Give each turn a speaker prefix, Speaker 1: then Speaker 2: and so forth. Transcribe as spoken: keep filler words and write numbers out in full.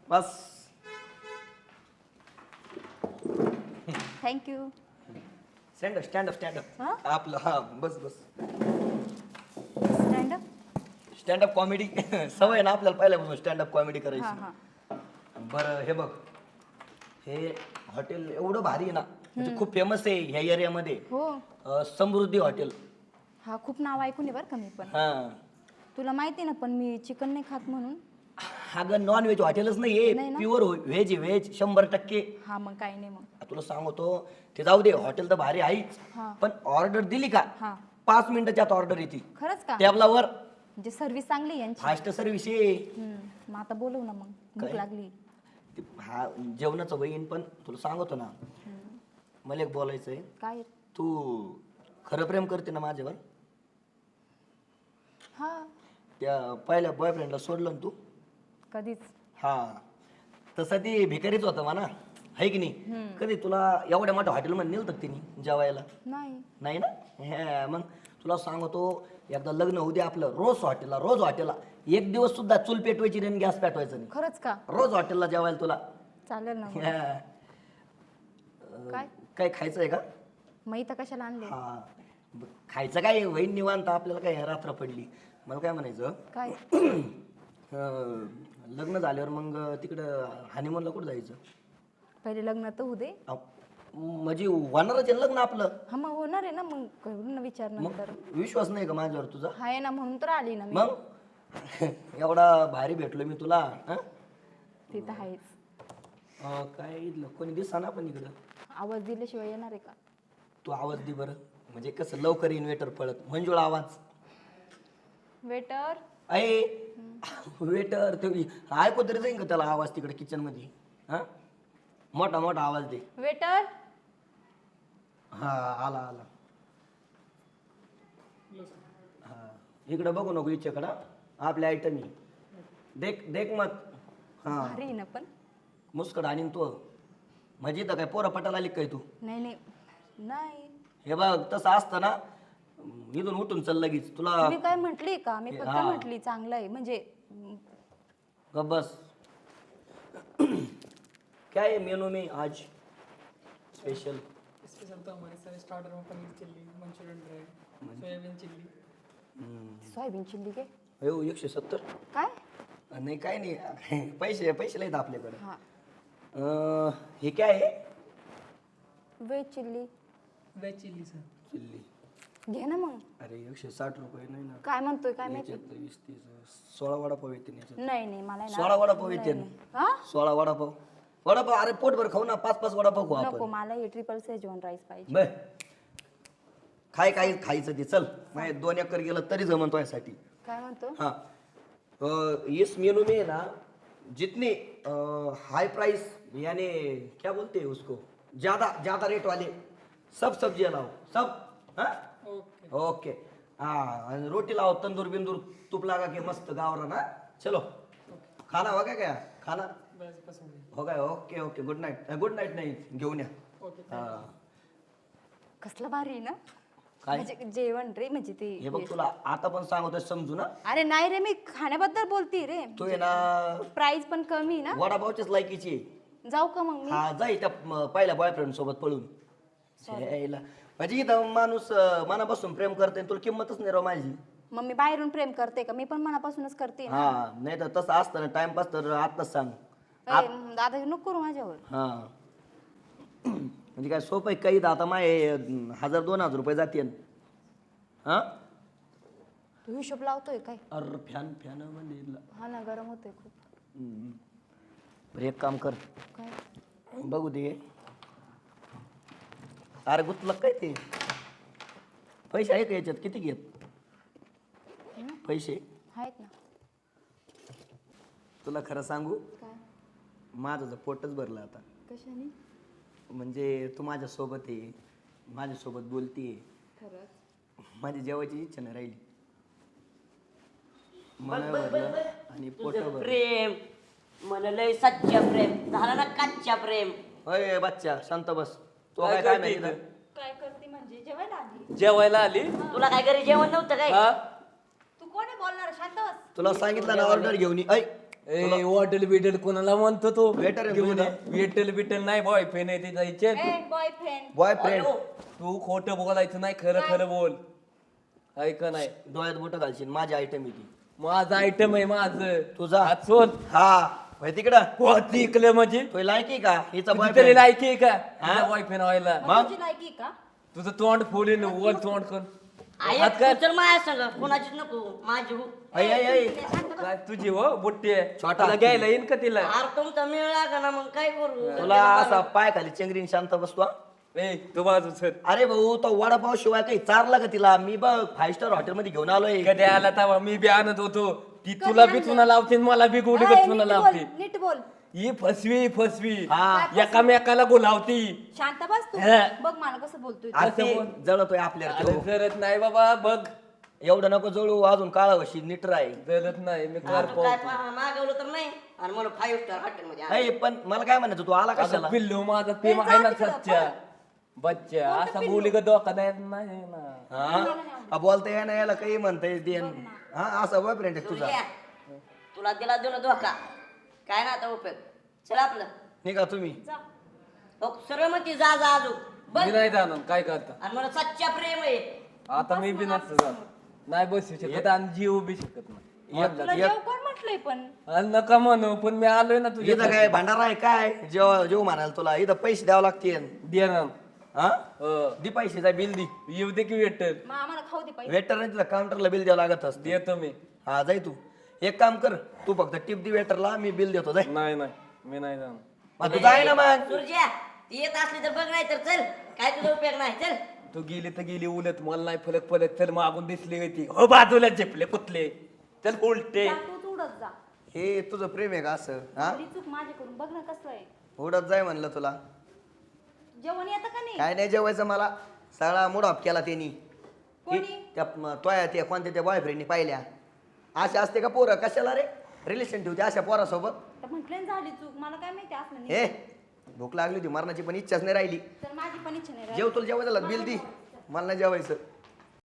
Speaker 1: बस.
Speaker 2: Thank you.
Speaker 1: Stand up stand up stand up
Speaker 2: हा?
Speaker 1: आपलं हा बस बस.
Speaker 2: Stand up.
Speaker 1: Stand up comedy सवय आहे ना आपल्याला पहिल्यापासून स्टँड अप कॉमेडी
Speaker 2: हा
Speaker 1: करायची.
Speaker 2: हा.
Speaker 1: बरं हे बघ, हे हॉटेल एवढं भारी आहे ना, म्हणजे खूप फेमस आहे ह्या एरियामध्ये.
Speaker 2: हो.
Speaker 1: अं, समृद्धी हॉटेल.
Speaker 2: हा खूप नाव ऐकून आहे बरं का मी पण.
Speaker 1: हा
Speaker 2: तुला माहिती ना, पण मी चिकन नाही खात म्हणून.
Speaker 1: अगं नॉन व्हेज हॉटेलच नाहीये,
Speaker 2: नाही ना?
Speaker 1: प्युअर व्हेज आहे, व्हेज शंभर टक्के.
Speaker 2: हा मग काही नाही मग.
Speaker 1: तुला सांगतो ते जाऊ दे, हॉटेल तर भारी आहेच,
Speaker 2: हा.
Speaker 1: पण ऑर्डर दिली का
Speaker 2: हा.
Speaker 1: पाच मिनिटाच्या आत ऑर्डर येते
Speaker 2: खरंच का?
Speaker 1: टेबलावर.
Speaker 2: म्हणजे सर्व्हिस चांगली आहे यांची.
Speaker 1: फास्ट सर्व्हिस आहे.
Speaker 2: हम्म, मग आता बोलव ना, मग भूक
Speaker 1: काय?
Speaker 2: लागली.
Speaker 1: ते हा जेवणाचं वहीन, पण तुला सांगतो ना, मला एक बोलायचंय.
Speaker 2: काय?
Speaker 1: तू खरं प्रेम करते ना माझ्यावर?
Speaker 2: हा.
Speaker 1: त्या पहिल्या बॉयफ्रेंडला सोडलं ना तू?
Speaker 2: कधीच.
Speaker 1: हा तसं ती भिकारीच होता म्हणा, आहे की नाही? कधी तुला एवढ्या मोठ्या हॉटेलमध्ये नेलं होतं तिने जेवायला?
Speaker 2: नाही.
Speaker 1: नाही ना? हे, मग तुला सांगतो, एकदा लग्न होऊ दे आपलं, रोज हॉटेलला रोज हॉटेलला, एक दिवस सुद्धा चूल पेटवायची नाही, गॅस पेटवायचा नाही.
Speaker 2: खरंच का?
Speaker 1: रोज हॉटेलला जेवायला तुला.
Speaker 2: चालेल ना मग.
Speaker 1: हा.
Speaker 2: काय?
Speaker 1: काय खायचं आहे का?
Speaker 2: मग इथं कशाला आणले?
Speaker 1: हा ब- खायचं काय वहीन निवांत, आपल्याला काय रात्र पडली. मला काय म्हणायचं,
Speaker 2: काय?
Speaker 1: अं, लग्न झाल्यावर मग तिकडं हनीमूनला कुठं जायचं?
Speaker 2: पहिले लग्न तर होऊ दे.
Speaker 1: अहो, म्हणजे होणारच आहे ना लग्न आपलं.
Speaker 2: हा मग होणार आहे ना, मग करून विचार
Speaker 1: मग
Speaker 2: नंतर.
Speaker 1: विश्वास नाही का माझ्यावर तुझा?
Speaker 2: आहे ना, म्हणून तर आली ना मी.
Speaker 1: मग एवढा भारी भेटलो मी तुला. हं?
Speaker 2: ते तर आहेच.
Speaker 1: अं, काय इथलं कोणी दिसा ना पण इकडं.
Speaker 2: आवाज दिल्याशिवाय येणार आहे का?
Speaker 1: तू आवाज दे बरं, म्हणजे कसं लवकर इन्व्हेटर पळत. मंजुळ आवाज.
Speaker 2: वेटर.
Speaker 1: आहे वेटर ते ऐकू तरी जाईन का त्याला आवाज तिकडे किचन मध्ये? हा मोठा मोठा आवाज दे.
Speaker 2: वेटर.
Speaker 1: हा आला आला. हा इकडे बघू नको इच्छेकडं, आपल्या आयटम ही देख देख मत. हा
Speaker 2: भारी आहे ना पण.
Speaker 1: मुस्कड आणि तो म्हणजे तर काय पोरा पटाला आली काय तू?
Speaker 2: नाही नाही नाही.
Speaker 1: हे बघ तसं असतं ना, इथून उठून चल लगेच तुला.
Speaker 2: मी काय म्हटली का? मी फक्त
Speaker 1: हा.
Speaker 2: म्हटली चांगलं आहे म्हणजे.
Speaker 1: गप बस. क्या है मेनू में आज स्पेशल?
Speaker 3: स्पेशल तो हमारे सारे स्टार्टर में paneer chilli, Manchurian dry, soyabean chilli.
Speaker 2: Soyabean chilli के
Speaker 1: हो एकशे सत्तर.
Speaker 2: काय?
Speaker 1: नाही काय नाही, पैसे पैसे नाहीत आपल्याकडे.
Speaker 2: हा.
Speaker 1: अं, हे काय आहे?
Speaker 2: Veg chilli.
Speaker 3: Veg chilli sir.
Speaker 1: Chilli.
Speaker 2: घे ना मग.
Speaker 1: अरे एकशे साठ रुपये नाही ना.
Speaker 2: काय म्हणतोय काय माहिती?
Speaker 1: याच्यात वीस तीस सोळा वडापाव येते ना याच्यात.
Speaker 2: नाही नाही मला आहे ना.
Speaker 1: सोळा वडापाव येते
Speaker 2: नाही,
Speaker 1: ना.
Speaker 2: नाही. हा?
Speaker 1: सोळा वडापाव. वडापाव अरे पोटभर खाऊ ना, पाच पाच वडापाव खाऊ
Speaker 2: नको,
Speaker 1: आपण.
Speaker 2: मला हे ट्रिपल सेजवान राईस पाहिजे.
Speaker 1: बर खाय काय खायचं ते चल. माझे दोन एकर गेलं तरी जमन तुझ्यासाठी.
Speaker 2: काय म्हणतो?
Speaker 1: हाँ अ, इस मेनू में ना जितने हाई प्राइस यानी क्या बोलते हैं उसको, ज्यादा ज्यादा रेट वाले सब सब्जियां लाओ सब. हाँ
Speaker 3: ओके.
Speaker 1: ओके. हाँ आणि रोटी लाओ, तंदूर बिंदूर तूप लगा के मस्त गावरा ना. चलो खाना होगा क्या? खाना
Speaker 3: बस बस हो गई.
Speaker 1: हो गया. Okay okay good night. Good night नाही घेऊन या.
Speaker 3: ओके.
Speaker 1: हा
Speaker 2: कसलं भारी आहे ना.
Speaker 1: काय?
Speaker 2: म्हणजे जेवण रे, म्हणजे ते.
Speaker 1: हे बघ तुला आता पण सांगतोय समजू ना.
Speaker 2: अरे नाही रे, मी खाण्याबद्दल बोलती रे.
Speaker 1: तू आहे ना
Speaker 2: प्राइस पण कमी आहे ना.
Speaker 1: वडापावच्याच लायकीची आहे.
Speaker 2: जाऊ का मग मी?
Speaker 1: हा जाई त्या म, पहिल्या बॉयफ्रेंड सोबत पळून. यायला. म्हणजे इथं माणूस अं, मनापासून प्रेम करते, तुला किंमतच नाही राव माझी.
Speaker 2: मग मी बाहेरून प्रेम करते का? मी पण मनापासूनच करते ना.
Speaker 1: हा नाही तर तसं असतं ना टाइमपास तर आत्ताच सांग.
Speaker 2: ए, दादा नको करू माझ्यावर.
Speaker 1: हा म्हणजे काय सोपं आहे काही, आता माय अं, हजार दोन हजार रुपये जाते. हा
Speaker 2: तू हिशोब लावतोय काय?
Speaker 1: अरे फॅन फॅन म्हणजे
Speaker 2: हा ना, गरम होतोय खूप.
Speaker 1: हम्म. बरं एक काम कर,
Speaker 2: काय?
Speaker 1: बघू दे. अरे गुतलं काय ते पैसे आहे का याच्यात? किती घेत पैसे?
Speaker 2: आहेत ना.
Speaker 1: तुला खरं सांगू,
Speaker 2: काय?
Speaker 1: माझं तर पोटच भरलं आता.
Speaker 2: कशाने?
Speaker 1: म्हणजे तू माझ्यासोबत आहे, माझ्यासोबत बोलतीये,
Speaker 2: खरंच?
Speaker 1: माझी जेवायची इच्छा नाही राहिली. मन भरलं आणि पोट
Speaker 4: तुझं
Speaker 1: भरलं.
Speaker 4: प्रेम म्हणलंय सच्चा प्रेम झालं ना, कच्चा प्रेम.
Speaker 1: अय बच्चा शांत बस. तो
Speaker 5: काय
Speaker 1: काय काय
Speaker 5: करते
Speaker 1: माहिती
Speaker 5: इथं?
Speaker 1: ना?
Speaker 2: काय करते म्हणजे? जेवायला आली.
Speaker 5: जेवायला आली.
Speaker 4: तुला काय घरी जेवण नव्हतं काय?
Speaker 5: हा
Speaker 2: तू कोण आहे बोलणार? शांत बस.
Speaker 1: तुला सांगितलं ना ऑर्डर घेऊन ये. ऐ
Speaker 5: ए वॉटेल बिटेल कोणाला म्हणतो तो
Speaker 1: Waiter आहे
Speaker 5: घेऊन
Speaker 1: तुझा?
Speaker 5: वेटेल बिटेल नाही बॉयफ्रेंड आहे तिचा इच्छे
Speaker 2: ए बॉयफ्रेंड
Speaker 1: बॉयफ्रेंड
Speaker 5: तू खोटं बोलायचं नाही खरं खरं बोल ऐक नाही
Speaker 1: डोळ्यात बोट घालशील माझी आयटम आहे ती
Speaker 5: माझं आयटम आहे माझं
Speaker 1: तुझा?
Speaker 5: हात सोड
Speaker 1: हा होय तिकडं
Speaker 5: हो तिकलं म्हणजे
Speaker 1: तो लायकी का हिचा
Speaker 5: तुझी तरी
Speaker 1: boyfriend?
Speaker 5: लायकी आहे का
Speaker 1: हा?
Speaker 5: बॉयफ्रेंड व्हायला
Speaker 1: मग?
Speaker 2: तुझी लायकी का
Speaker 5: तुझं तोंड फोडीन वर तोंड कर
Speaker 4: आई
Speaker 5: हात काय
Speaker 4: चल माझ्या संग कोणाचीच नको माझी हो
Speaker 1: ऐ, ऐ, ऐ.
Speaker 5: काय तुझी हो बुट्टी आहे
Speaker 1: छोटा
Speaker 5: तुला घ्यायला येईन का तिला
Speaker 4: अरे तुमचा मेळ लागा ना मग काय करू
Speaker 1: तुला असा पाय खाली चेंगरीन शांत बसतो हा?
Speaker 5: ए तू बाजू सर
Speaker 1: अरे भाऊ तो वडापाव शिवाय काही चारला का तिला मी बघ फाईव्ह स्टार हॉटेल मध्ये घेऊन आलोय
Speaker 5: कधी आला तेव्हा मी बी आणत होतो ती तुला बी चुना लावते आणि मला बी गोडी
Speaker 2: ए,
Speaker 5: चुना
Speaker 2: नीट
Speaker 5: लावते
Speaker 2: बोल, नीट बोल
Speaker 5: ही फसवी फसवी
Speaker 1: हा.
Speaker 5: एकामेकाला बोलावती
Speaker 2: शांत बस तू
Speaker 5: हा.
Speaker 2: बघ मला कसं बोलतोय
Speaker 1: अरे
Speaker 5: असं
Speaker 1: ते
Speaker 5: बोल.
Speaker 1: जळतोय आपल्याला
Speaker 5: अरे
Speaker 1: तो.
Speaker 5: जरत नाही बाबा बघ
Speaker 1: एवढं नको जळू अजून काळा वशी नीट राहील
Speaker 5: जरत नाही मी कर
Speaker 4: आता काय पहा, मागवलं तर नाही आणि मला फाईव्ह स्टार हॉटेल मध्ये आणलं.
Speaker 1: नाही पण मला काय म्हणायचं तू आला
Speaker 5: आता
Speaker 1: कशाला
Speaker 5: पिल्लू माझा
Speaker 2: ए,
Speaker 5: प्रेम
Speaker 2: जा
Speaker 5: आहे ना
Speaker 2: तिकडं,
Speaker 5: सच्चा
Speaker 2: पळ.
Speaker 5: बच्चा
Speaker 2: कोणतं
Speaker 5: असा
Speaker 2: पिल्लू?
Speaker 5: बोली का धोका नाही नाही ना
Speaker 1: हा हा, बोलता येणं याला काही म्हणता येते हा असा बॉयफ्रेंड आहे तुझा
Speaker 4: तुझ्या तुला दिला दिला धोका काय ना आता उपयोग चल आपलं
Speaker 1: निघा तुम्ही
Speaker 2: जा
Speaker 4: हो, सरळ म्हणते जा जा अजून बघ
Speaker 5: मी नाही जाणार काय करता
Speaker 4: आणि मला सच्चा प्रेम आहे
Speaker 5: आता मी बी नसतं जात नाही बसू शकत आणि जीव बी शकत नाही
Speaker 2: तुला जेव कोण म्हटलंय पण
Speaker 5: आणि नका म्हणू पण मी आलोय ना तुझ्या
Speaker 1: इथं काय भांडारा आहे काय जेव्हा जेव म्हणाल तुला इथं पैसे द्यावं लागतील
Speaker 5: देणार
Speaker 1: हा
Speaker 5: हो.
Speaker 1: दी पैसे जा बिल दी
Speaker 5: येऊ दे की वेटर
Speaker 2: मग आम्हाला खाऊ दे पैसे
Speaker 1: वेटरने तुला काउंटरला बिल द्यावं लागत असते
Speaker 5: देतो मी
Speaker 1: हा जाय तू एक काम कर तू फक्त टिप दी वेटरला मी बिल देतो जाय
Speaker 5: नाही नाही मी नाही जाणार
Speaker 1: मग तू जाय ना मग
Speaker 4: सुरज्या ती येत असली तर बघ नाही तर चल काय तुझा उपयोग नाही चल
Speaker 5: तू गेली तर गेली उलट मला नाही फलक फलक चल मागून दिसली ती हो बाजूला झेपले कुतले चल उलटे
Speaker 2: जा, तूच उडत जा
Speaker 1: हे तुझं प्रेम आहे का असं हा
Speaker 2: थोडी चूक माझ्याकडून बघ ना कसं आहे
Speaker 1: उडत जाय म्हणलं तुला
Speaker 2: जेवण येतं का नाही
Speaker 1: काय नाही जेवायचं मला सगळा मूड ऑफ केला त्यांनी
Speaker 2: कोणी?
Speaker 1: त्या म- तोया त्या कोणत्या त्या बॉयफ्रेंडनी पाहिल्या अशा असते का पोरं कशाला रे रिलेशन ठेवते अशा पोरासोबत
Speaker 2: तर म्हटलं ना झाली चूक मला काय माहिती असलं
Speaker 1: हे
Speaker 2: नाही
Speaker 1: भूक लागली होती मरणाची पण इच्छाच नाही राहिली
Speaker 2: तर माझी पण इच्छा नाही राहिली.
Speaker 1: जेव तुला जेवायचं बिल दी मला नाही जेवायचं